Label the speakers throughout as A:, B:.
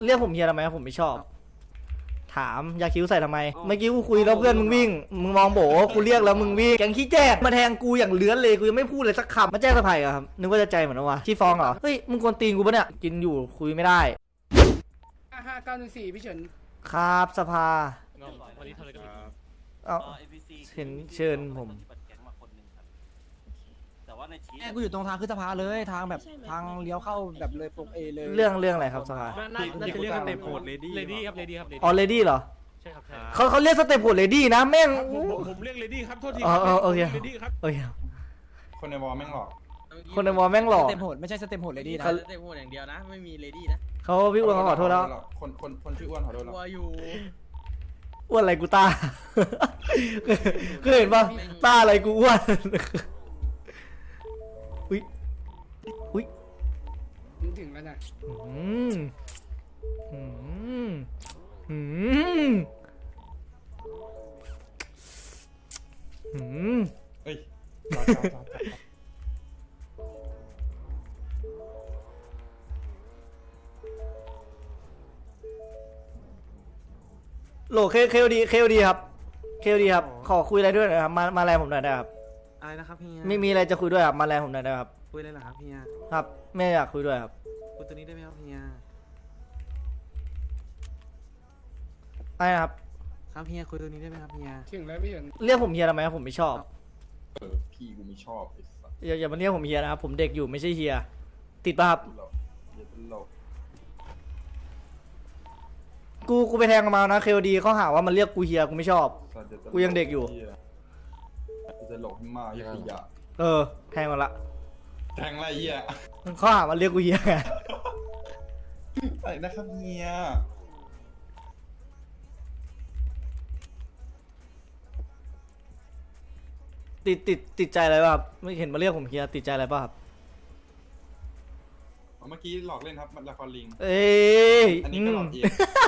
A: เรียกผมเฮียทำไมผมไม่ชอบถามยาคิ้วใส่ทำไมเมื่อกี้กูคุยแล้วเพื่อนมึงวิ่งมึงมองโบกูเรียกแล้วมึงวิ่งแกงขี้แจ้งมาแทงกูอย่างเลื้อนเลยกูยังไม่พูดเลยสักคำมาแจ้งสะพายเหรอครับนึกว่าจะใจเหมือนว่าขี้ฟองเหรอเฮ้ยมึงกวนตีนกูปะเนี่ยกินอยู่คุยไม่ได้
B: 5914พี่เฉิน
A: ครับสภา
C: วันนี้ทำอะไรกัน
A: เอาเชิญผม
D: กูอยู่ตรงทางขึ้นสะพานเลยทางแบบทางเลี้ยวเข้าแบบเลยปกเอเลย
A: เรื่องอะไรครับสภา
C: น่าจะเรียกสเต็ปโหดเลดี้ครับเลดี้ครับ
A: อ๋อเลดี้เหรอ
C: ใช่ครับ
A: เขาเรียกสเต็ปโหดเลดี้นะแม่ง
C: ผมเรียกเลดี้ครับโทษที
A: โอเค
C: เลดี้ครับ
A: โอเค
E: คนในวอลแม่งหลอก
A: คนในวอลแม่งหลอก
D: สเต็ปโหดไม่ใช่สเต็ปโหดเลยดีนะ
F: สเต็ปโหดอย่างเดียวนะไม่มีเลดี้นะ
A: เขาพี่อ้วนเขาขอโทษแล้ว
E: คนชื่ออ้วนขอโทษแล้ว
F: วัวอยู่
A: อ้วนอะไรกูตาเคยเห็นป่ะตาอะไรกูอ้วนอุ้ย
B: ถึงแล้วนะ
E: เอ้ย
A: โหลเคลดีครับขอคุยอะไรด้วยหน่อยครับมาแลผมหน่อยได้ครับ
F: อะไรนะครับพี่
A: ไม่มีอะไรจะคุยด้วยครับมาแลผมหน่อยได้ครับ
F: คุยเลยเหรอครับพี่
A: ครับไม่อยากคุยด้วยครับ
F: คุยตัวนี้ได้ไหมครับพี่
A: อะไรครับ
F: ครับพี่คุยตัวนี้ได้ไหมครับพี่
B: ถึงแล้วพี่เฉิน
A: เรียกผมเฮียทำไมครับผมไม่ชอบ
E: พี่กูไม่ชอบไอ้สัส
A: อย่ามาเรียกผมเฮียนะครับผมเด็กอยู่ไม่ใช่เฮียติดป่ะครับกูไปแทงมานะเคลดีเขาหาว่ามันเรียกกูเฮียกูไม่ชอบกูยังเด็กอยู่
E: จะหลอกมากยังขยะ
A: แทงมาละ
E: แทงอะไรเหี้ย
A: เขาหาว่าเรียกกูเฮียไง
E: อะไรนะครับเฮีย
A: ติดใจอะไรป่ะครับไม่เห็นมาเรียกผมเฮียติดใจอะไรป่ะครับ
E: เมื่อกี้หลอกเล่นครับมันละครลิงอันนี้ก็หลอกเอง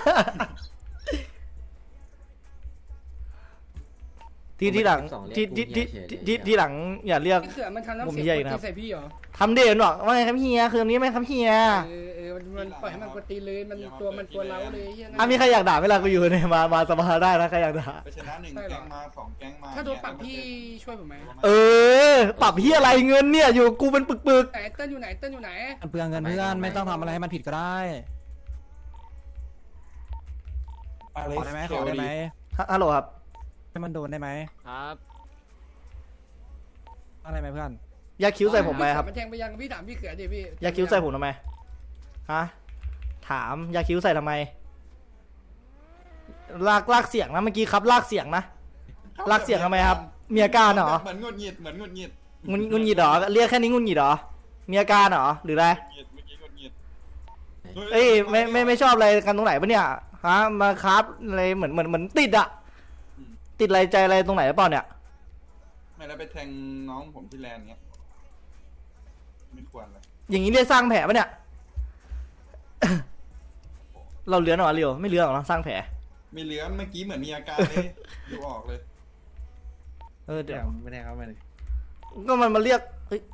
A: ที่หลังที่หลังอย่าเรียก
B: ผมเฮียนะใส่พี่เหรอ
A: ทำเด่นหรอกว่าไงครับเฮียคือตรงนี้ไหมครับเฮีย
B: มันปล่อยให้มันกดตีเลยมันตัวเล้าเลย
A: มีใครอยากด่าเวลากูอยู่เนี่ยมาสบายได้นะใครอยากด่า
E: ไปชนะ1แก๊งมา2แก๊งมา
B: ถ้าโดนปรับพี่ช่วยผมไหม
A: ปรับพี่อะไรเงินเนี่ยอยู่กูเป็นปึก
B: ไหนเติ้ลอยู่ไหน
D: เปลืองเงินเพื่อนไม่ต้องทำอะไรให้มันผิดก็ได้ขอได้ไหม
A: ฮัลโหลครับ
D: ให้มันโดนได้ไหม
C: ครับ
D: อะไรไหมเพื่อน
A: ยาคิ้วใส่ผมไหมครับ
B: มันแทงไปยังพี่ถามพี่เขือดิพี่
A: ยาคิ้วใส่ผมทำไมฮะถามยาคิ้วใส่ทำไมลากเสียงนะเมื่อกี้ครับลากเสียงนะลากเสียงทำไมครับมีอาการเหรอ
E: เหมือนงุนหงิดเห
A: รอเรียกแค่นี้งุนหงิดเหรอมีอาการเหรอหรืออะไรไม่ชอบอะไรกันตรงไหนปะเนี่ยฮะมาครับอะไรเหมือนติดอะติดอะไรใจอะไรตรงไหนหรือเปล่าเนี่ย
E: ไม่แล้วไปแทงน้องผมที่แลนด์เงี้ยไม่ควรเลย
A: อย่างนี้เรียกสร้างแผลปะเนี่ย เราเลื้อนหรอเรียวไม่เลื้อนหรอสร้างแผล
E: ไม่เลื้อนเมื่อกี้เหมือนมีอาการเลยดูออกเลย
A: เดี๋ยว
F: ไม่ได้ครับไม่ได้
A: ก็มันมาเรียกเฮ้ย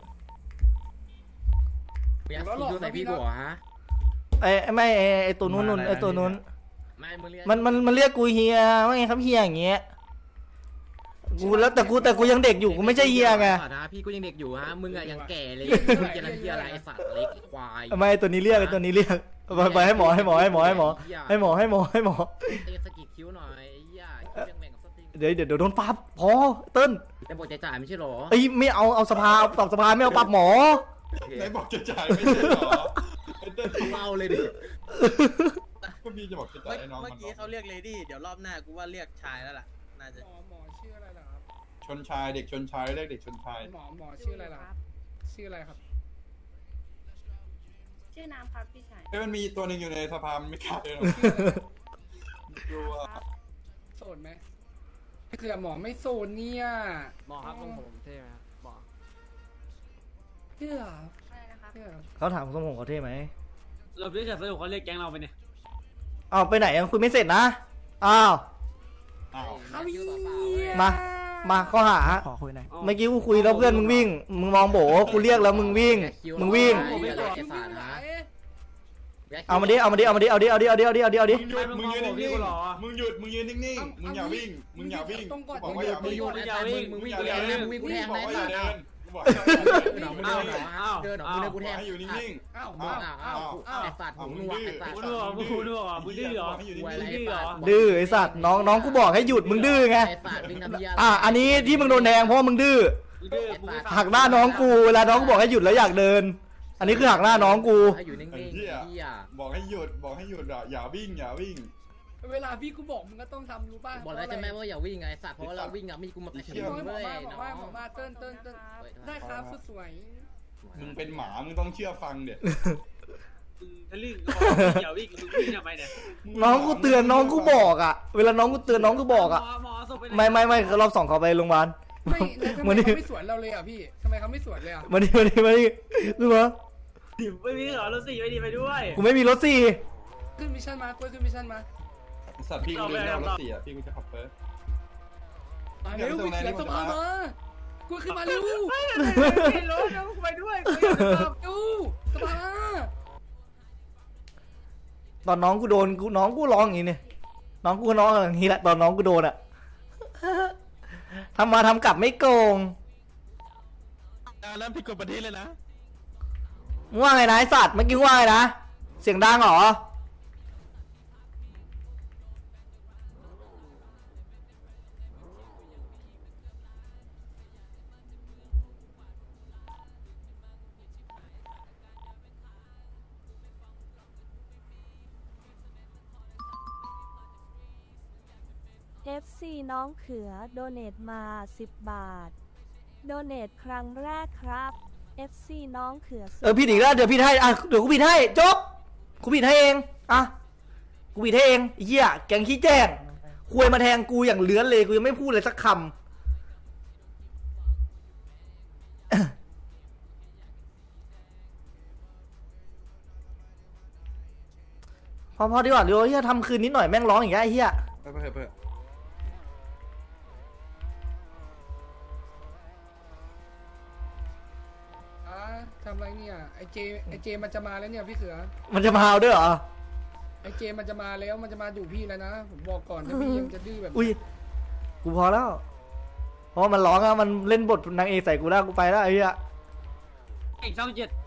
F: อยากคิดใส่พี่กูเหรอฮะ
A: ไม่ไอตัวนู้นไอตัวนู้นมันเรียกกูเฮียว่าไงครับเฮียอย่างเงี้ยกูแล้วแต่กูยังเด็กอยู่กูไม่ใช่เฮียไง
F: พี่กูยังเด็กอยู่ฮะมึงอะยังแก่เลยมึงจะทำเฮียอะไรไอสัตว์เล็กควาย
A: ไม่ตัวนี้เรียกไปให้หมอ
F: ตีสกิดคิ้วหน่อยย่าแบ่งกับสติ
A: เดี๋ยวโดนปรับพอเติ้ล
F: แต่บอกจ่ายไม่ใช่หรอ
A: ไม่เอาสภาตอบสภาไม่เอาปรับหมอ
E: ไหนบอกจ่ายไม่ใช่หรอ
F: เติ้ลเมาเลยดิ
E: ก็พี่จะบอกจ่ายให้น้อง
F: เมื่อกี้เขาเรียกเลดี้เดี๋ยวรอบหน้ากูว่าเรียกชายแล้วล่ะน่าจะ
B: หมอชื่ออะไรล่ะครับ
E: ชนชายเด็กชนชายเรียกเด็กชนชาย
B: หมอชื่ออะไรล่ะชื่ออะไรครับ
G: ชื่อน้ำครับพี่ชาย
E: มันมีตัวหนึ่งอยู่ในสภามันไม่ขาดเลยหรอ
B: ดูโสดไหมคือหมอไม่โสดเนี่ย
C: หมอครับตรงผมเท่ไหมครับหมอ
B: เพื่อ
G: อะไรนะครับ
A: เขาถามทรงผมเขาเท่ไหม
C: เราพี่จะสรุปเขาเรียกแก๊งเราไปเนี่ย
A: ไปไหนยังคุยไม่เสร็จนะมาข้อหา
D: ขอคุยหน่อย
A: เมื่อกี้กูคุยแล้วเพื่อนมึงวิ่งมึงมองโบกูเรียกแล้วมึงวิ่งเอามาดิเอามาดิเอามาดิเอาดิเอาดิเอาดิเอาดิเอาดิเอาดิ
E: มึงยืนนิ่งๆมึงหยุดมึงยืนนิ่งๆมึงอย่าวิ่งมึงอย่าวิ่งบอกว่าอย่าวิ่ง
F: มึงวิ่งกูแทงนะมึงวิ่งกูแทง
E: บอ
F: นะ
E: กว่าอย่าเดินบอก
F: หนองมึงเดินหนอเดินหนอมึงเดินกูแทง
E: ให้อยู่นิ่ง
B: อ้าว
F: อ้าวไอ้สัตว์หูหนวกไอ้สัตว์
C: มึงดื้อมึงดื้อมึงดื้อเหรอ
E: ให้อยู่
F: ไอ้
E: นิ่ง
F: สัตว์
A: ดื้อไอสัตว์น้องกูบอกให้หยุดมึงดื้อไง
F: ไอ้สัตว์วิ่งทำเหี้ย
A: อันนี้ที่มึงโดนแดงเพราะว่ามึงดื้อ
C: มึงดื้อกูไม่ฟัง
A: หักหน้าน้องกูเวลาน้องกูบอกให้หยุดแล้วอยากเดิน อันนี้คือหักหน้าน้องกู
F: ให้อยู่นิ่งๆไอ้เหี้ย
E: ๆบอกให้หยุดอย่าวิ่งอย่าวิ่ง
B: เวลาพี่กูบอกมึงก็ต้องทำรู้ป่ะ
F: บอกแล้วใช่ไหมว่าอย่าวิ่งไงสัตว์เพราะว่าเราวิ่งอ่ะมีกูมาประชิด
B: บอก
F: มึง
B: มา
F: เลย
B: บอก
F: น้
B: มา
F: อง
B: บอกมาเติ้ลได้ครับสวย
E: มึงเป็นหมามึงต้องเชื่อฟังเด็ด
C: มึงทะลึ่งก็บอกอย่าวิ่งมึงวิ่งทำไมเนี่ย
A: น้องกูเตือนน้องกูบอกอ่ะเวลาน้องกูเตือนน้องกูบอกอ่ะ
C: หมอศพไปไหน
A: ไม่รอบสองเขาไปโรงพยาบาล
B: ไม่แล้วทำไมเขาไม่สวนเราเลยอ่ะพี่ทำไมเขาไม่สวนเลยอ่ะ
A: มาดิรู้ปะ
C: ไม่มีเหรอรถสี่ไม่ดีไปด้วย
A: กูไม่มีรถสี่
B: ขึ้นมิชชั่นมาขึ้นมิชชั่นมา
E: สัตว์พี่กูเดินรถเสียพี่กูจะขับเฟิร์ส
B: มาเร็วไปเขียนสภามากูขึ้นมาเร็ว
C: ไม่รู้จะไปด้วยกูอยากจะตาม
B: ดูสภา
A: ตอนน้องกูโดนน้องกูร้องอย่างนี้เนี่ยน้องกูร้องอย่างนี้แหละตอนน้องกูโดนอ่ะทำมาทำกลับไม่โกง
C: แล้วผิดกฎประเทศเลยนะ
A: มึงว่าไงนะไอสัตว์เมื่อกี้ว่าไงนะเสียงดังเหรอ
H: FC น้องเขือโดเนทมา10 บาท โดเนทครั้งแรกครับ FC น้องเขือ
A: ผิดอีกแล้วเดี๋ยวผิดให้อ่ะเดี๋ยวกูผิดให้จบกูผิดให้เองอ่ะกูผิดให้เองไอ้เหี้ยแกงขี้แจ้งควยมาแทงกูอย่างเลื้อนเลยกูยังไม่พูดเลยสักคำพอดีกว่าเดี๋ยวเฮียทำคืนนิดหน่อยแม่งร้องอย่างเงี้ยไอ้เฮีย
E: ไปเพื่อ
B: ทำไรเนี่ยไอเจมันจะมาแล้วเนี่ยพี่เขือ
A: มันจะมาเอาด้วยเหรอ
B: ไอเจมันจะมาแล้วมันจะมาอยู่พี่แล้วนะผมบอกก่อนถ้าพี่ยังจะดื้อแบบ
A: อุ้ยกูพอแล้วเพราะว่ามันร้องอะมันเล่นบทนางเอกใส่กูแล้วกูไปแล้วไอ้เหี้ย
C: เอกช่องเจ็ด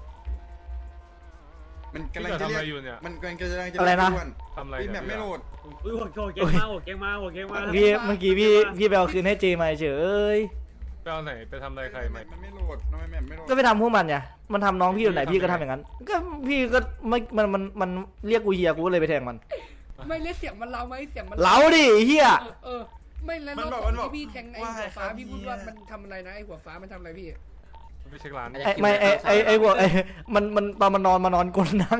E: มันกำลังจะเรียกมันกำลังจะ
A: อะไรนะ
C: ทำอะไร
E: พี่แมปไม่โหลด
C: อุ้ยหัวเก่งมาหัวเก่งมาหัวเก่งมา
A: เมื่อกี้พี่ไปเอาคืนให้เจมาเฉย
I: ไปเอาไหนไปทำอะไรใครไหม
E: มันไม่โหลดทำไมแมปไม่โหลด
A: ก็ไปทำพวกมันไงมันทำน้องพี่อยู่ไหนพี่ก็ทำอย่างนั้น ก็พี่ก็ไม่มันเรียกกูเฮียกูก็เลยไปแทงมัน
B: ไม่เล่นเสียงมันเราไหมเสียงมัน
A: เล้าดิไอ้เฮีย
B: ไม่แล้วรอบที่พี่แทงไอหัวฟ้าพี่พูดว่ามันทำอะไรนะไอหัวฟ้ามันทำอะไรพี่
I: ไปเช็คร้าน
A: ไอ้พวกมันตอนมันนอนกลนั่ง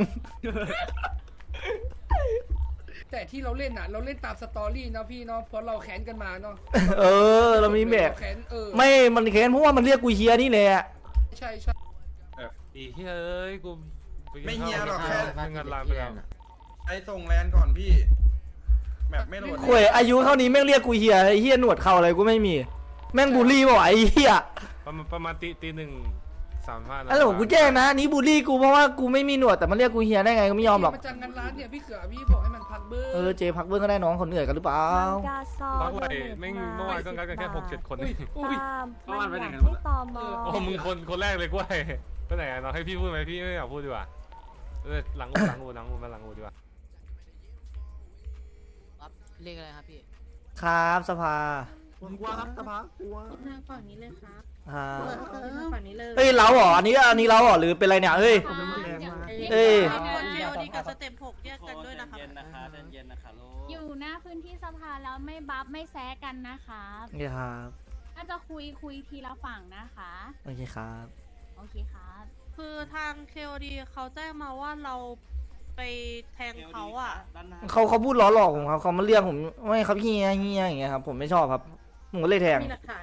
B: แต่ที่เราเล่นอ่ะเราเล่นตามสตอรี่เนาะพี่เนาะเพราะเราแค้นกันมาเนาะ
A: เรามีแบบ
B: แค้น
A: ไม่มันแค้นเพราะว่ามันเรียกกูเฮียนี่แหละ
B: ใช่
I: อีเฮ้ยกู
E: ไม่เฮียหรอกแค่
I: งานร้านไปแล้ว
E: ไอ้ส่งแลนก่อนพี่แมปไม่โหลด
A: ข่วยอายุเท่านี้แม่งเรียกกูเฮียไอ้เฮียหนวดเข่าอะไรกูไม่มี แม่งบูลลี่ป่ะไอ้เฮีย
I: ประมาณตีหนึ่ง35นะ
A: อะไรผมกูแจ้งนะนี่บูลลี่กูเพราะว่ากูไม่มีหนวดแต่มันเรียกกูเฮียได้ไงก็ไม่ยอมหรอก
B: มาจังงานร้านเนี่ยพี่เขือพี่บอกให้มันพักเบอร์
A: เจพักเบื้องก็ได้น้องคนเหนื่อยกันหรือเปล่า
H: มังกาซอ
I: พัก
H: โด
I: ไป
H: เนท
I: แม่ง
H: มา
I: เมื่อวานก็งัดกันแค่6-7 คนนี่
H: ตามมันอยากให้ตอมอ
I: โอ้มึงคนแรกเลยกล้วยไปไหนน้องให้พี่พูดไหมพี่ไม่อยากพูดดีกว่าหลังอูมาหลังอูดีกว่า
F: เรียกอะไรครับพี่
A: ครับสภา
D: กลัวครับสภากลัว
G: ทางฝั่งนี้เลยครับ
A: ครับ
G: ทางฝั่งนี้เลย
A: เอ้ยเราเหรออันนี้เราเหรอหรือเป็นไรเนี่ยเอ้ย เอ้ย
G: คนเดียวดีกับสเต็ป6แยกกันด้วยนะครับ
J: อยู่หน้าพื้นที่สภาแล้วไม่บัฟไม่แซะกันนะคะ
A: นี่ครับ
J: น่าจะคุยทีละฝั่งนะคะ
A: โอเคครับ
J: โอเคครับ
G: คือทาง KOD เขาแจ้งมาว่าเราไปแทงเขาอ่ะ
A: เขาพูดล้อหลอกผมครับเขามาเรียกผมไม่ครับเฮียอย่างเงี้ยครับผมไม่ชอบครับผมก็เลยแทง
G: มีหลักฐาน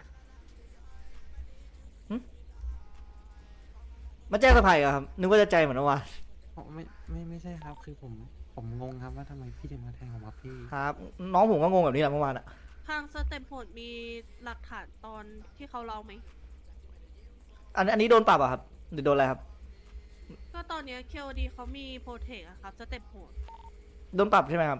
A: มาแจ้งสะพายเหรอครับนึกว่าจะใจเหมือนเมื่อวาน
D: ไม่ใช่ครับคือผมงงครับว่าทำไมพี่ถึงมาแทงผมครับพี่
A: ครับน้องผมก็งงแบบนี้แหละเมื่อวานอะ
G: ทางสเต็ป6มีหลักฐานตอนที่เขาเล่าไหม
A: อันนี้โดนปรับอะครับหรือโดนอะไรครับ
G: ก็ตอนเนี้ย KOD เขามีโปรเทคอะครับสเต็ปโหด
A: โดนปรับใช่ไหมครับ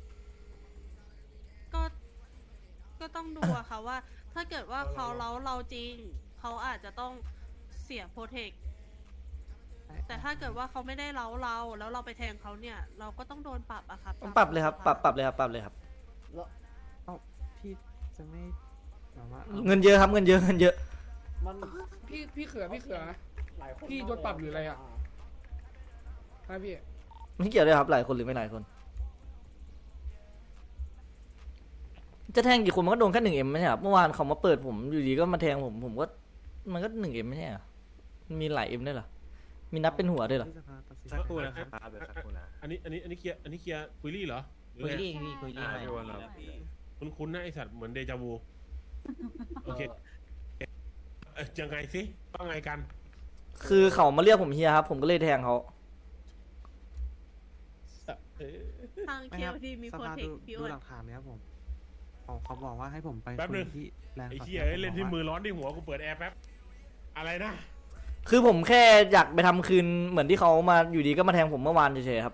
G: ก็ต้องดูอะค่ะว่า ถ้าเกิดว่าเขาเราจริง เขาอาจจะต้องเสียโปรเทค แต่ถ้าเกิดว่าเขาไม่ได้เราแล้วเราไปแทงเขาเนี่ย เราก็ต้องโดนปรับอะครับ
A: ปรับเลยครับปรับเลยครับปรับเลยครับ
D: พี่จะไม่แบบว่า
A: เงินเยอะครับเงินเยอะเงินเยอะ
B: พี่เขือพี่โดนปรับหรืออะไรอ่ะฮะพี่
A: ไม่เกี่ยวเลยครับหลายคนหรือไม่หลายคน จะแทงกี่คนมันก็โดนแค่1Mไม่ใช่ครับเมื่อวานเขามาเปิดผมอยู่ดีก็มาแทงผมก็มันก็1Mไม่ใช่เหรอมันมีหลาย M ด้วยเหรอมีนับเป็นหัวด้วยเหรอ
K: สักครู่นะครับเดี๋ยวสักครู่นะอันนี้เคลียร์คุยลี่เหรอ
D: คุยรี่พี่คุยรี่ไป
K: คุณนะไอสัตว์เหมือนเดจาวูโอเคยังไงสิว่าไงกัน
A: คือเขามาเรียกผมเฮียครับผมก็เลยแทงเขา
G: ทาง KOD มีโปรเทคพี่อ้วน
D: หลักฐานเนี้ยผมเขาบอกว่าให้ผมไป
K: แป๊บนึง
D: ที่แลนด์
K: ไอ้เหี้ยเล่นที่มือร้อนที่หัวกูเปิดแอร์แป๊บอะไรนะ
A: คือผมแค่อยากไปทำคืนเหมือนที่เขามาอยู่ดีก็มาแทงผมเมื่อวานเฉยๆครับ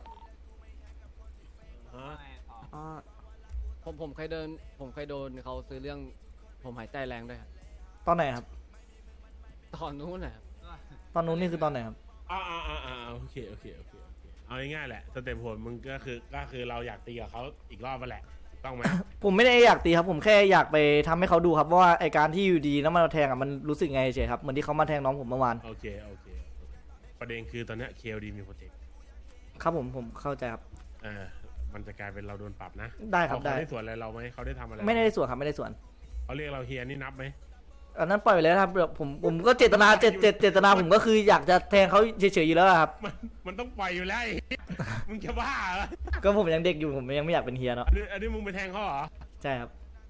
D: ผมเคยโดนเขาซื้อเรื่องผมหายใจแรงด้วยครับ
A: ตอนไหนครับ
D: ตอนนู้นนะครับ
A: ตอนนู้นนี่คือตอนไหนครับ
K: โอเคเอาง่ายๆแหละสเต็ปผลมึงก็คือเราอยากตีกับเขาอีกรอบมาแหละต้องไหม
A: ผมไม่ได้อยากตีครับผมแค่อยากไปทำให้เขาดูครับว่าไอการที่อยู่ดีแล้วมาแทงอ่ะมันรู้สึกไงเฉยๆครับเหมือนที่เขามาแทงน้องผมเมื่อวาน
K: โอเคประเด็นคือตอนนี้ KLD มีโปรเจกต์
A: ครับผมเข้าใจครับ
K: มันจะกลายเป็นเราโดนปรับนะ
A: ได้ครับ
K: เขาได้ส่วนอะไรเราไหมเขาได้ทำอะไร
A: ไม่ได้ส่วนครับไม่ได้ส่วน
K: เขาเรียกเราเฮียนี่นับไหม
A: อันนั้นปล่อยไปเลยครับผมก็เจตนาผมก็คืออยากจะแทงเขาเฉยๆอยู่แล้วครับ
K: มันต้องปล่อยอยู่แล้วมึงจะบ้าเหรอ
A: ก็ผมยังเด็กอยู่ผมยังไม่อยากเป็นเฮียเนาะ
K: อันนี้มึงไปแทงเขาเหรอ
A: ใช่ครับ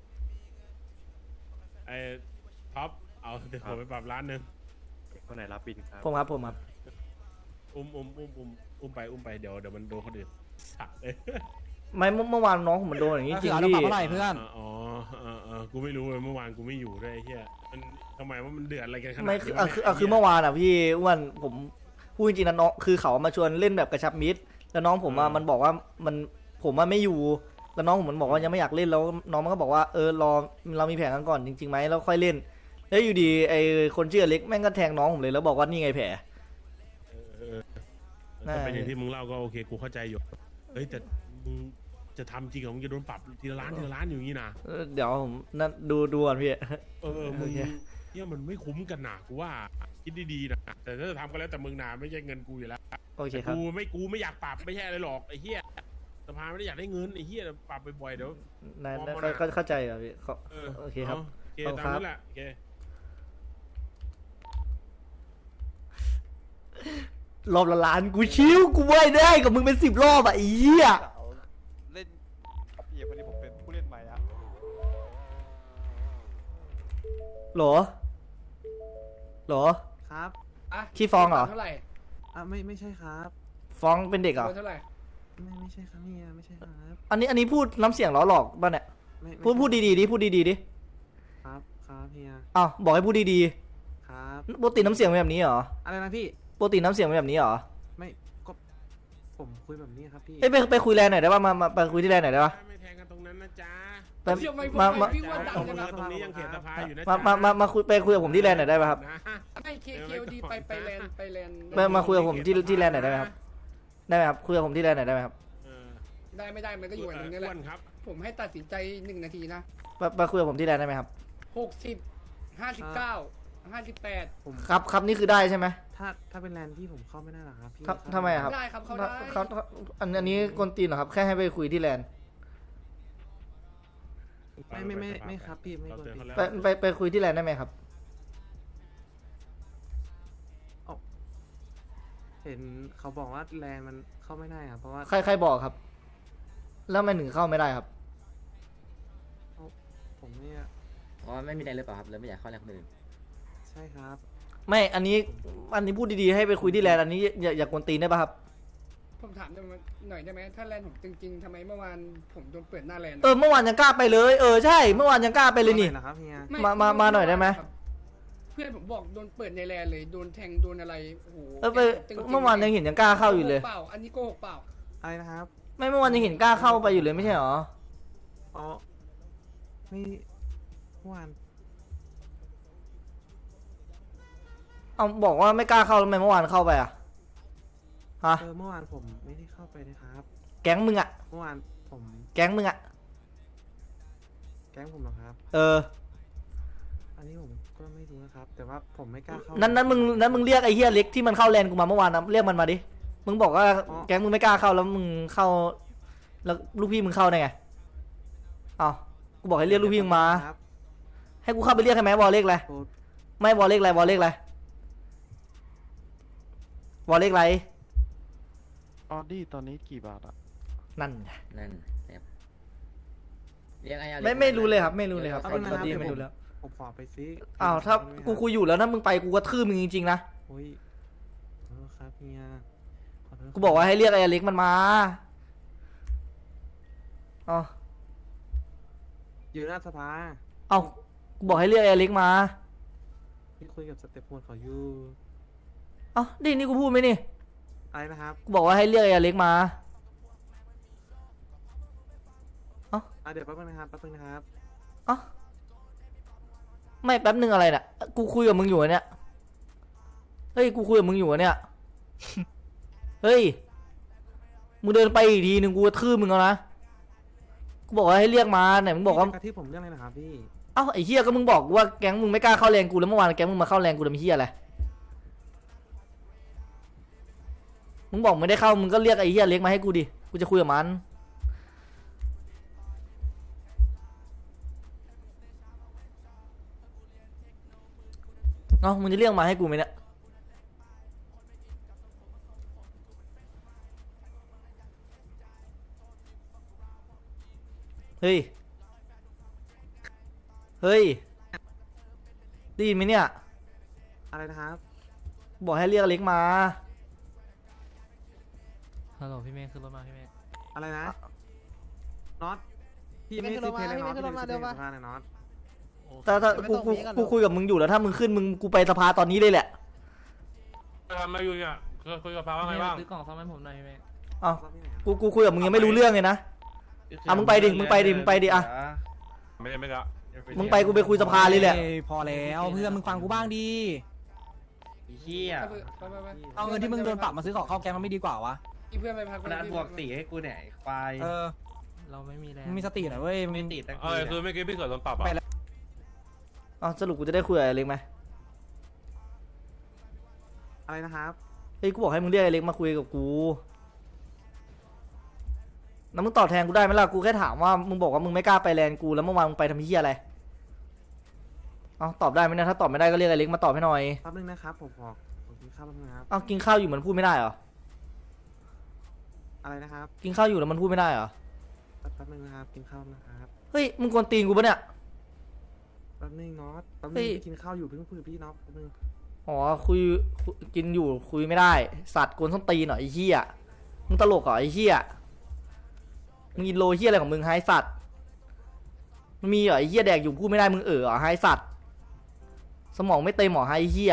K: ท็อปเอาเดี๋ยวผมไปปรับร้านหนึ่ง
E: คนไหนรับบินครับ
A: ผมครับ
K: อุ้มไปเดี๋ยวมันโดนคนอื่นสักเลย
A: ไม่เมื่อวานน้องผมมันโดนอย่างนี้จริง
D: พี่
A: พี่
D: เท่าไหร่เพื่อน
K: กูไม่รู้เลยเมื่อวานกูไม่อยู่ด้วยไอ้เหี้ยมันทำไมว่ามันเดือดอะไรกันขนาด
A: ไม่
K: นี้
A: คือเมื่อวานอ่ะพี่อ้วนผมพูดจริงๆนะน้องคือเขามาชวนเล่นแบบกระชับมิตรแล้วน้องผมมันบอกว่าผมไม่อยู่แล้วน้องผมมันบอกว่ายังไม่อยากเล่นแล้วน้องมันก็บอกว่ารอเรามีแผนกันก่อนจริงๆไหมแล้วค่อยเล่นแล้วอยู่ดีไอคนชื่อเล็กแม่งก็แทงน้องผมเลยแล้วบอกว่านี่ไงแผล
K: ถ้าเป็นอย่างที่มึงเล่าก็โอเคกูเข้าใจอยู่เฮ้ยแต่มึงจะทำจริงเหรอมึงจะโดนปรับทีละล้านอยู่อย่างนี้นะ
A: เดี๋ยวผมนั่นดูก่อนพี่
K: มึงเนี่ยมันไม่คุ้มกันหนากูว่าคิดดีๆนะแต่ถ้าจะทำก็แล้วแต่มึงนาไม่ใช่เงินกูอยู่แล้ว
A: โอเคครับ
K: กูไม่อยากปรับไม่ใช่อะไรหรอกไอ้เหี้ยสภาไม่ได้อยากได้เงินไอ้เหี้ยปรับบ่อยๆเดี๋ยว
A: เข้าใจอ่ะพี่โอเคครับ
K: โอเคตามนั้นแหละโอเค
A: รอบละล้านกูชิวกูไม่ได้กับมึงเป็น10 รอบอ่ะไอ้เหี้ย
E: เล่นพี่คนนี้ผมเป็นผู้เล่นใหม่อะ
A: หรอ
D: ครับ
A: ขี้ฟ้องเหรอ
B: เท่าไหร่
D: ไม่ใช่ครับ
A: ฟ้องเป็นเด็กเหรอ
B: เท่าไหร่
D: ไม่ใช่ครับเฮียไม่ใช่ครับ
A: อันนี้พูดน้ำเสียงล้อหลอกป่ะเนี่ย พูดดีๆดิพูดดีๆดิ
D: ครับเฮีย
A: อ้าวบอกให้พูดดี
D: ครับ
A: ๆปกติน้ำเสียงเป็นแบบนี้เหรอ
D: อะไรนะพี่
A: ปกติน้ำเสียงเป็นแบบนี้เหรอ
D: ไม่ก็ผมคุยแบบนี้ครับพี่
A: เอ้ยไปคุยแลนหน่อยได้ป่ะมาไปคุยที่แลนหน่อยได้ป่ะ
K: ไม่แทงกันตรงนั้นนะจ๊ะ
A: ไป
B: เชื่อไหม
A: มา
B: พี่ว่าดังกันนะ
K: ตรงนี้ยังเขตสภาอยู่นะ
A: มาคุยกับผมที่แลนหน่อยได้ป่ะครับ
B: ไม่KODไปแลนด์
A: มาคุยกับผมที่แลนหน่อยได้ไหมครับได้ไหมครับคุยกับผมที่แลนหน่อยได้ไหมครับ
B: ได้ไม่ได้มันก็อยู่อย่างนี้แหละ
K: ครับ
B: ผมให้ตัดสินใจ1 นาทีนะ
A: มาคุยกับผมที่แลนได้ไหมครับ
B: 60 59 58
A: ครับนี่คือได้ใช่ไหม
D: ถ้าเป็นแลนด์พี่ผมเข้าไม่ได้หรอครับพี่
A: ครับทำไมครับ
B: ได้ครับเขาได้
A: อันนี้กวนตีนเหรอครับแค่ให้ไปคุยที่แลนด์
D: ไม่ครับพี่ไม่ควร
A: ไปคุยที่แลนด์ได้ไหมครับ
D: เห็นเขาบอกว่าแลนด์มันเข้าไม่ได้ครับเพราะว่า
A: ใครบอกครับ แล้วมันถึงเข้าไม่ได้ครับ
D: ผมเนี่ย
F: เพราะว่าไม่มีอะไรหรือเปล่าครับเลยไม่อยากเข้าแรงคนอื่น
D: ใช่ครับ
A: ไม่อันนี้พูดดีๆให้ไปคุยที่แลนด์อันนี้อย่ากวนตีนได้ป่ะครับ
B: ผมถามหน่อยได้ไหมถ้าแลนด์ผมจริงๆทำไมเมื่อวานผมโดนเปิดหน้าแลนด์
A: เมื่อวานยังกล้าไปเลยใช่เมื่อวานยังกล้าไปเลยนี่
D: นะครับเฮีย
A: มาหน่อยได้ไหม
B: เพื่อนผมบอกโดนเปิดในแลนเลยโดนแทงโดนอะไรโอ้โห
A: ไป
B: ตึงๆ
A: เมื่อวานยังเห็นยังกล้าเข้าอยู่เลย
B: โกหกเปล่าอันนี้โกหกเปล่า
L: อะไรนะครับ
A: ไม่เมื่อวานยังเห็นกล้าเข้าไปอยู่เลยไม่ใช่หรอ
L: อ๋อไม่เมื่อวาน
A: เอาบอกว่าไม่กล้าเข้าแล้วทำไมเมื่อวานเข้าไปอ่ะฮะ
L: เมื่อวานผมไม่ได้เข้าไปนะครับ
A: แก๊งมึงอ่ะ
L: เมื่อวานผม
A: แก๊งมึงอ่ะ
L: แก๊งผมเหรอครับ
A: เออ
L: อันนี้ผมก็ไม่รู้นะครับ แต่ว่าผมไม่กล้าเข้า
A: นั้นมึงเรียกไอ้เฮียเล็กที่มันเข้าแลนกูมาเมื่อวานนะเรียกมันมาดิ มึงบอกว่าแก๊งมึงไม่กล้าเข้าแล้วมึงเข้า แล้วลูกพี่มึงเข้าได้ไงเอากูบอกให้เรียกลูกพี่มึงมา
L: ครับ
A: ให้กูเข้าไปเรียกให้ไหมวอลเลขอะไร
L: โอ้
A: ไม่วอลเลขอะไรวอลเลขอะไรวอลเลขอะไร
L: ออดี้ตอนนี้กี่บาทอะ
A: นั่นไง
F: นั่นเรียกไอ้อะไร
A: ไม่รู้เลยครับ ไม่รู้เลยครับ
L: เอา
A: ต
L: ไป
A: อน
L: นะครับ
A: นี้
L: เดี๋ยว
A: ไม่รู้แล้ว
L: ผมขอไปซิ
A: อ้าวถ้ากูคุยอยู่แล้วถ้ามึงไปกูก็ทื่อมึงจริงๆนะ
L: โอ้ยขอโทษครับเฮียขอโทษครับ
A: กูบอกว่าให้เรียกไอ้อเล็กมันมาเอา
L: อยู่หน้าสภา
A: เอากูบอกให้เรียกไอ้อเล็กมา
L: พี่คุยกับสเตปโฟนเขาอยู่
A: เอาดินี่กูพูดไหมนี่
L: อะไรนะครับ
A: กูบอกว่าให้เรียกไอ้อเล็กมา
L: เดี๋ยวแป๊บนึงนะครับแป๊บนึงนะครับ
A: เอ้าไม่แป๊บนึงอะไรน่ะ กูคุยกับมึงอยู่อะเนี่ย เฮ้ย กูคุยกับมึงอยู่อะเนี่ย เฮ้ย มึงเดินไปอีกทีหนึ่งกูจะทื่อมึงแล้วนะ กูบอกว่าให้เรียกมาไหนมึงบอกว่า
L: พี่จะกระทืบผมเรื่องอะไรนะครับพี่
A: เอ้าไอ้เฮียก็มึงบอกว่าแก๊งมึงไม่กล้าเข้าแรงกูแล้วเมื่อวานแก๊งมึงมาเข้าแรงกูทำเฮียอะไร มึงบอกไม่ได้เข้ามึงก็เรียกไอ้เฮียเล็กมาให้กูดิ กูจะคุยกับมัน เอ้ามึงจะเรียกมาให้กูไหมเนี่ย เฮ้ย เฮ้ย ได้ยินไหมเนี่ย
L: อะไรนะครับ
A: บอกให้เรียกอเล็กมา
D: ฮัลโหลพี่เมย์ขึ้นรถมาพี่เมย์
L: อะไรนะน็อตพี่ไม่ซื้อเพลงเลยน็อตพี่ไม่ซื้อเพลงสภาเลยน็อต
A: ถ้ากูคุยกับมึงอยู่แล้วถ้ามึงขึ้นมึงกูไปสภาตอนนี้เลยแหละ
I: ทำไมาอยู่เนี่ยคุยกับพาว่าไงบ้าง
D: ซื้อกล่องซ่อมให้ผมหน่อยพี่เมย์
A: เอ้ากูคุยกับมึงยังไม่รู้เรื่องเลยนะอ่ะมึงไปดิมึงไปดิอ่ะ
I: ไม่ได้ละ
A: มึงไปกูไปคุยสภาเลยแหละ
D: พอแล้วเพื่อนมึงฟังกูบ้างดี
C: เฮีย
B: ไป
D: เอาเงินที่มึงโดนปรับมาซื้อของเข้าแกงมันไม่ดีกว่าวะ
B: อีเพื่อนไปพัก
C: ขนาดบวก4ให้กูเนี่ยควาย
D: เราไม่มีแล้วมีสติหน่อยเว้ย
C: ไม่ติดตั้ง
I: อะไรคือเมื่อกี้พี่เกิดโดนปรับอ่ะ
A: เอ้าสรุปกูจะได้คุยกับไอ้เล็กไหม
L: อะไรนะครับ
A: เฮ้ยกูบอกให้มึงเรียกไอ้เล็กมาคุยกับกูแล้วมึงตอบแทนกูได้ไหมล่ะกูแค่ถามว่ามึงบอกว่ามึงไม่กล้าไปแลนด์กูแล้วเมื่อวานมึงไปทำเหี้ยอะไรเอ้าตอบได้ไหมเนี่ยถ้าตอบไม่ได้ก็เรียกไอ้เล็กมาตอบให้หน่อย
L: แป๊บนึงนะครับผมกินข้าวแป๊บนึงนะครับ
A: เอ้ากินข้าวอยู่มันพูดไม่ได้เหรอ
L: อะไรนะครับ
A: กินข้าวอยู่แล้วมันพูดไม่ได้เหรอ
L: แป๊บนึงนะครับกินข้าวนะครับ
A: เฮ้ยมึงกวนตีนกูปะเนี่ย
L: แป๊บนึงน็อตแป๊บ
A: เฮ้
L: นึง
A: ย
L: กินข้าวอยู่เพิ่งคุยกับพี่น็อตแป๊บนึง
A: อ๋อกินอยู่คุยไม่ได้สัตว์กวนส้นตีนหน่อยไอ้เหี้ยมึงตลกเหรอไอ้เหี้ยมึงอินโลเหี้ยอะไรของมึงไฮสัตว์มันมีเหรอไอ้เหี้ยแดกอยู่พูดไม่ได้มึงเหรอไฮสัตว์สมองไม่เต็มหรอไฮเหี้ย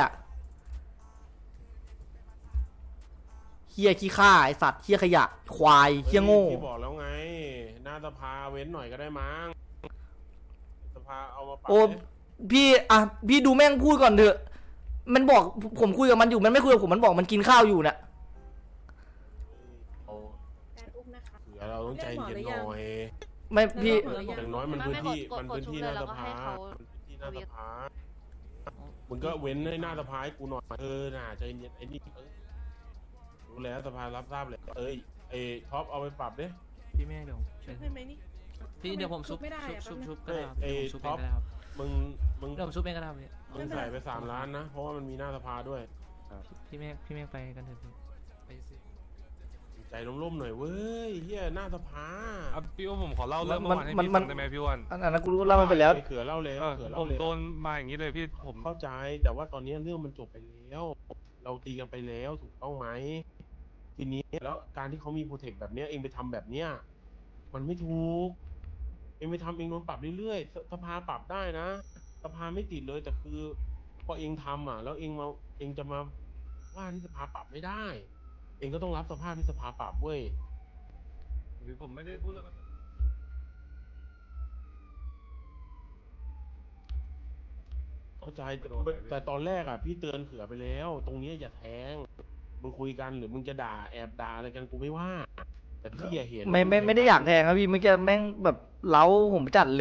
A: เหี้ยขี้ข้าไอสัตว์เหี้ยขยะควายเหี้ยโง่
K: พี่บอกแล้วไง หน้าสภาเว้นหน่อยก็ได้มั้งสภาเอามาปรับ
A: โอ้
K: ดิ
A: พี่อ่ะพี่ดูแม่งพูดก่อนเถอะมันบอกผมคุยกับมันอยู่มันไม่คุยกับผมมันบอกมันกินข้าวอยู่น่ะ
K: เอาเผื่อเราต้องใจเย็นหน่อย
A: ไม่พี่
K: อย่างน้อยมันพื้นที่หน้าสภาพื้นที่หน้าสภามึงก็เว้นให้หน้าสภาให้กูหน่อยน่าใจเย็นไอ้นี่รู้แล้วสภารับทราบเลยไอ้ท็อปเอาไปปรับดิ
D: พี่เมย์เดี๋ยว
G: ใช่ไหมนี่
D: พี่เดี๋ยวผมชุบก็ได้ครับ
K: ไอ้
D: ชุบ
K: ท็อป
D: เองก็ได้ครับ
K: มึง
D: เดี๋ยวผมชุบเองก็ได้ครับพี่
K: มึงใส่ไป3 ล้านนะ เพราะว่ามันมีหน้าสภาด้วย
D: พี่เมย์ไปกันเถอะพี่ไปสิ
K: ใจร่มๆหน่อยเว้ยเฮียหน้าสภา
I: พี่อ้วนผมขอเล่าเรื่องเมื่อวานให้พี่ฟังได้ไหมพี่อ้วน
A: อันนั้นกูรู้เล่ามันไปแล้ว
K: เขือเล่าเลยเขือ
I: ผ
K: เล่าม เลย
I: โดนมาอย่างนี้เลยพี่ผม
K: เข้าใจแต่ว่าตอนนี้เรื่องมันจบไปแล้ว เราตีกันไปแล้วถูกต้องไหมทีนี้แล้วการที่เขามีโปรเทคแบบเนี้ยเองไปทำแบบเนี้ยมันไม่ถูกเองไปทำเองโดนปรับเรื่อยๆสภาปรับได้นะสภาไม่ติดเลยแต่คือพอเองทำอ่ะ แล้วเองจะมาว่าที่สภาปรับไม่ได้ เองก็ต้องรับสภาพที่สภาปรับเว้ย
I: หรือผมไม่ได้พูดแล้ว
K: เข้าใจแต่ตอนแรกอ่ะพี่เตือนเขือไปแล้ว ตรงเนี้ยอย่าแทงมึงคุยกันหรือมึงจะด่าแอบด่าอะไรกันกูไม่ว่า แต่พี่อย่าเห็น
A: ไม่ได้อยากแทงครับพี่เมื่อกี้แม่งแบบเล้าผมจัดเลย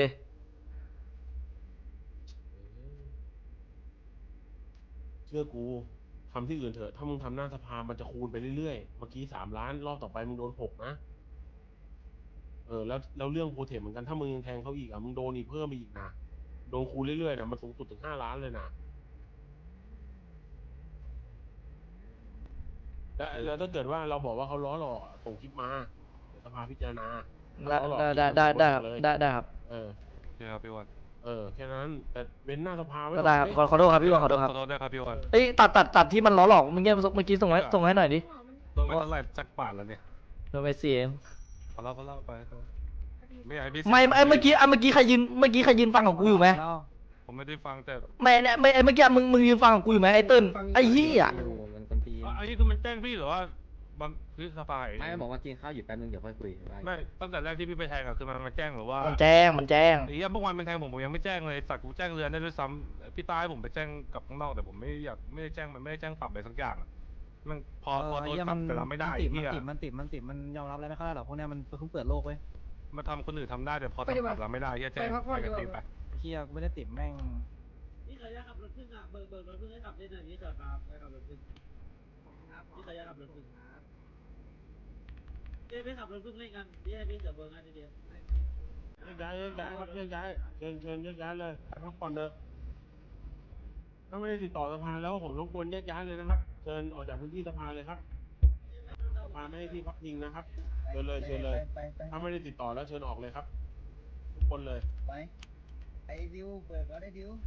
K: เชื่อกูทำที่อื่นเถอะถ้ามึงทำหน้าสภามันจะคูณไปเรื่อยๆเมื่อกี้3 ล้านรอบต่อไปมึงโดน6นะแล้วเรื่องโปรเทคเหมือนกันถ้ามึงยังแทงเขาอีกอ่ะมึงโดนอีกเพิ่มอีกนะโดนคูณเรื่อยๆนะมันสูงสุดถึง5 ล้านเลยนะแล้วถ้าเกิดว่าเราบอกว่าเขาล้อหลอกส่งคลิปมาเดี๋ยวสภาพิจารณา
A: ได้ครับได้ครับ
K: เออ
I: ใช่ครับพี่วัน
K: แค่นั้นแต่เว้นหน้าสภาไว้
A: ก็ได้ครับขอโทษครับพี่วันขอโทษครับ
I: ขอโทษด้วยครับพี่วัน
A: เอ้ยตัดที่มันล้อหลอกเมื่อกี้ส่งให้หน่อยดิ
I: โดนไปเท่าไหร่จักบาทแล้วเนี่ย
A: โดนไปเสีย
I: เขาเล่าไปไม่อยากให้พี่
A: ไม่เมื่อกี้ใครยืนฟังของกูอยู่ไหม
I: ผมไม่ได้ฟังแต่
A: ไม่เนี่ยไม่เมื่อกี้มึงยืนฟังของกูอยู่ไหมไอ้เติ้ลไอ้เหี้ย
I: อันนี้คือมันแจ้งพี่หรือว่าบางคือสภา
L: ไม่บอกว่ากินข้าวอยู่แป๊บนึงเดี๋ยวค่อยคุย
I: ไม่ตั้งแต่แรกที่พี่ไปแทงอะคือมันมาแจ้งหรือว่า
A: มันแจ้ง
I: ไอ้เหี้ยเมื่อวานมันแทงผมยังไม่แจ้งเลยสัตว์กูแจ้งเรือนได้ด้วยซ้ำพี่ตายผมไปแจ้งกับข้างนอกแต่ผมไม่ได้แจ้งมันไม่ได้แจ้งปรับอะไรสักอย่างอะมันพอโดนปรับแต่เราไม่ได้ไอ้เหี้ย
L: มันยอมรับอะไรไม่ค่อยได้หรอกพวกเนี้ยมันเพิ่งเปิดโลกเว้ย
I: มาทำคนอื่นทำได้แต่พอทำปรับเราไม่ได้เหี้ยแจ้งไปกันตีไป
L: เฮียกูไม่ได้ติดแม่ง
C: นี่ใครจะขับรถขึ้นอ่ะเบิกรถขึ้นให้ขับได้หน่อยนี่จอดครับให้ขับรถขึ้นนี่ใครจะขับรถขึ้นเดี๋ยวไปขับรถขึ้นเล่นกันเดี๋ยวพี่จะเบิกงานทีเดียว
K: ย้ายครับย้ายเชิญย้ายเลยพักผ่อนเถอะถ้าไม่ได้ติดต่อสภาแล้วผมรบกวนย้ายเลยนะครับเชิญออกจากพื้นที่สภาเลยครับสภาไม่ให้ที่พักพิงนะครับเชิญเลยถ้าไม่ได้ติดต่อแล้วเชิญออกเลยครับทุกคนเลย
L: ไอ้ดิวเปิดก็ได้ดิว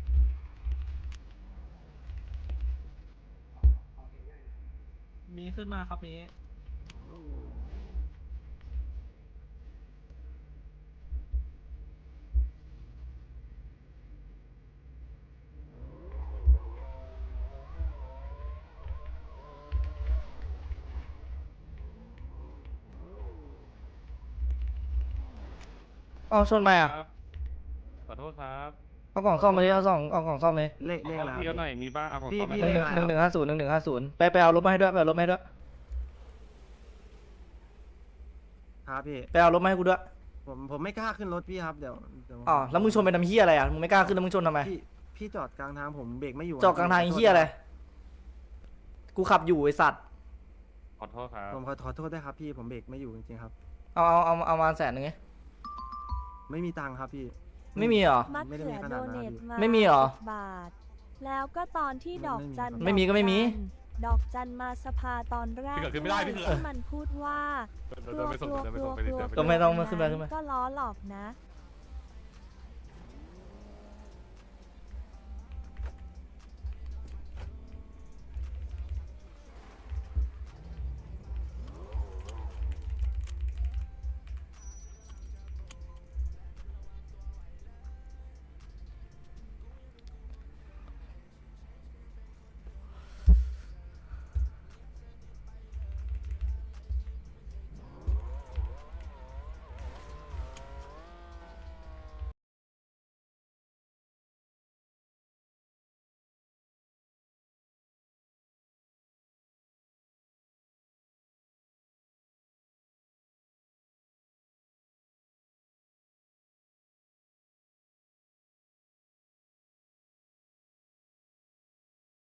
C: มีขึ้นมาครับมี
A: เอาชนไปอ่ะ
I: ขอโทษครับ
A: เอากล่องซ่อมมาดิเอากล่องซ่อมเลย
L: เลขอะไร
I: พี่ก็หน่อยมีบ้างเอาของ
L: พี่
I: ต่อไป
A: 1150ไปเอารถมาให้ด้วย
L: ครับพี่
A: ไปเอารถมาให้กูด้วย
L: ผมไม่กล้าขึ้นรถพี่ครับเดี๋ยว
A: อ๋อแล้วมึงชนไปทำเหี้ยอะไรอ่ะมึงไม่กล้าขึ้นแล้วมึงชนทำไม
L: พี่จอดกลางทางผมเบรกไม่อยู่
A: จอดกลางทางไอ้เหี้ยอะไรกูขับอยู่ไอ้สัตว์
I: ขอโทษครับ
L: ผมขอโทษด้วยครับพี่ผมเบรกไม่อยู่จริงๆครับ
A: เอามา100,000ไง
L: ไม่มีตังค์ครับพี่
A: ไม่มีเหรอ
H: มะเขือโดเนทมา
A: ไม่มีเหรอ
H: 10 บาท แล้วก็ตอนที่ดอกจัน
A: ไม่มีก็ไม่มี
H: ดอกจันมาสภาตอนแรก
I: พี่เกิดขึ้นไม่ได้พี่เกิด
H: ที่มันพูดว่า
I: เดินไปส่ง
H: กลัว
A: ก็ไม่ต้องมาขึ้นมา
H: ก็ล้อหลอกนะ